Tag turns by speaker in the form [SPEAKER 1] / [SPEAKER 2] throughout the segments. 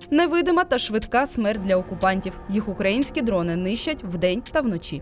[SPEAKER 1] Невидима та швидка смерть для окупантів. Їх українські дрони нищать вдень та вночі.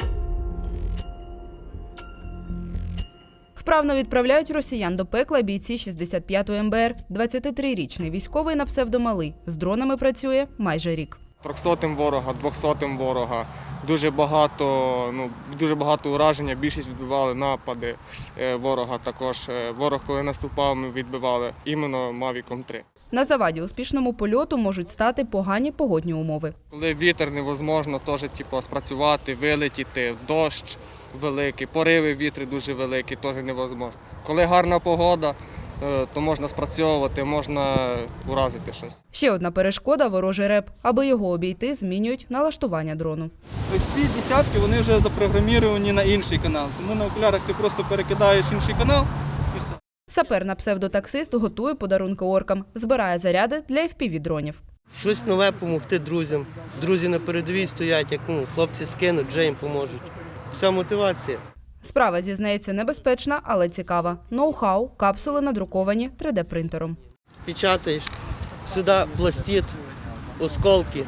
[SPEAKER 1] Вправно відправляють росіян до пекла бійці 65-ї МБР. 23-річний військовий на псевдомалий. З дронами працює майже рік.
[SPEAKER 2] 300-м ворога, 200-м ворога. Дуже багато ураження, більшість відбивали напади ворога також. Ворог, коли наступав, ми відбивали іменно Мавіком 3.
[SPEAKER 1] На заваді успішному польоту можуть стати погані погодні умови.
[SPEAKER 2] Коли вітер невозможно теж спрацювати, вилетіти, дощ великий, пориви вітру дуже великі, теж невозможно. Коли гарна погода, то можна спрацьовувати, можна уразити щось.
[SPEAKER 1] Ще одна перешкода – ворожий реп. Аби його обійти, змінюють налаштування дрону.
[SPEAKER 3] Ось ці десятки, вони вже запрограмовані на інший канал. Тому на окулярах ти просто перекидаєш інший канал і все.
[SPEAKER 1] Сапер на псевдотаксист готує подарунки оркам. Збирає заряди для FPV-дронів.
[SPEAKER 4] Щось нове допомогти друзям. Друзі на передовій стоять, як хлопці скинуть, вже їм поможуть. Вся мотивація.
[SPEAKER 1] Справа, зізнається, небезпечна, але цікава. Ноу-хау, капсули надруковані 3D-принтером.
[SPEAKER 4] Печатаєш, сюди пластит, осколки.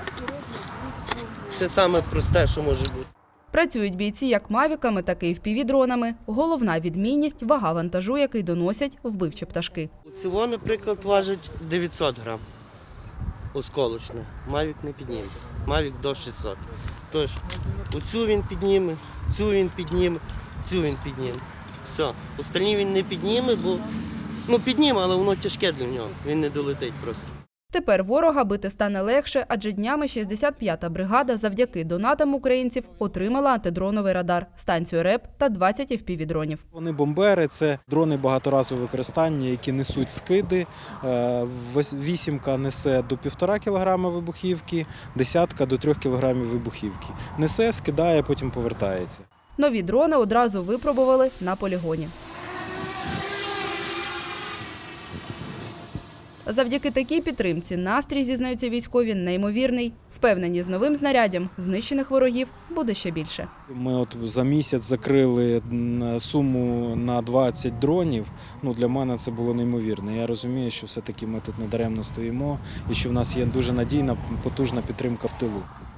[SPEAKER 4] Це саме просте, що може бути.
[SPEAKER 1] Працюють бійці як мавіками, так і FPV-дронами. Головна відмінність – вага вантажу, який доносять вбивчі пташки.
[SPEAKER 4] Цього, наприклад, важить 900 грам. Осколочне. Мавік не підніме. Мавік до 600. Тож, оцю він підніме, цю він підніме, цю він підніме. Все. Остальні він не підніме, бо підніме, але воно тяжке для нього. Він не долетить просто.
[SPEAKER 1] Тепер ворога бити стане легше, адже днями 65-та бригада завдяки донатам українців отримала антидроновий радар, станцію РЕП та 20 FPV-дронів.
[SPEAKER 5] Вони бомбери – це дрони багаторазового використання, які несуть скиди. Вісімка несе до 1,5 кілограма вибухівки, десятка до 3 кілограмів вибухівки. Несе, скидає, потім повертається.
[SPEAKER 1] Нові дрони одразу випробували на полігоні. Завдяки такій підтримці настрій, зізнаються військові, неймовірний. Впевнені, з новим знаряддям знищених ворогів буде ще більше.
[SPEAKER 5] Ми за місяць закрили суму на 20 дронів. Для мене це було неймовірно. Я розумію, що все-таки ми тут недаремно стоїмо і що в нас є дуже надійна, потужна підтримка в тилу.